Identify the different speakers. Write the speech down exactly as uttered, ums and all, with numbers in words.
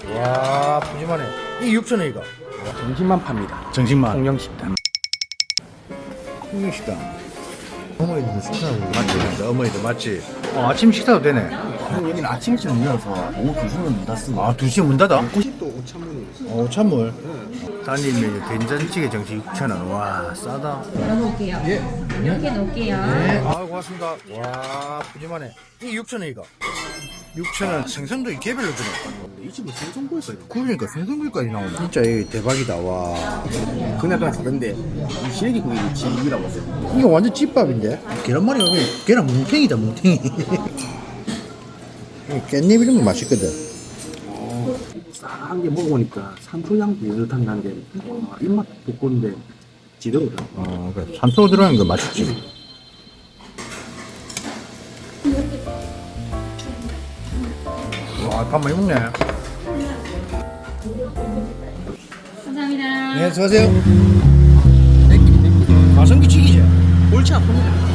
Speaker 1: 와 푸짐하네. 이게 육천 원이가.
Speaker 2: 정신만 팝니다.
Speaker 1: 정식만.
Speaker 2: 통영식당.
Speaker 1: 통영식당. 어머니들 식사하고 맞지? 어머니들 맞지? 어, 아침 식사도 되네.
Speaker 2: 형 여기는 아침 일찍 열려서 오후 두 시면 문 닫습니다.
Speaker 1: 아 두 시에 문 닫아?
Speaker 2: 구십도 오찬문이에요.
Speaker 1: 어 찬물. 단일 메뉴 된장찌개 정식 육천 원. 와 싸다.
Speaker 3: 넣어놓을게요.
Speaker 1: 예.
Speaker 3: 이렇게 놓을게요.
Speaker 1: 네. 아 고맙습니다. 와 푸짐하네. 이게 육천 원이가. 육천 원 생선도 개별로 주네.
Speaker 2: 이 집은 생선구이가 있고
Speaker 1: 그러니까 생선구이까지 나오네. 진짜 이게 대박이다. 와.
Speaker 2: 그날 그냥 다른데 이 시래기 구이 집이라고 했어요.
Speaker 1: 이거 완전 찐밥인데? 계란말이가 왜 계란 뭉탱이다 뭉탱이. 깻잎 이런 거 맛있거든.
Speaker 2: 싼게 먹어보니까 산초향도 연듯한 나는데 와, 입맛 돋구는데 지더거든.
Speaker 1: 어 그래. 산소 들어가는 거 맛있지. 와 밥 많이 먹네.
Speaker 3: 감사합니다.
Speaker 1: 네 수고하세요. 가성비 튀기지?
Speaker 2: 골치 아픕니다.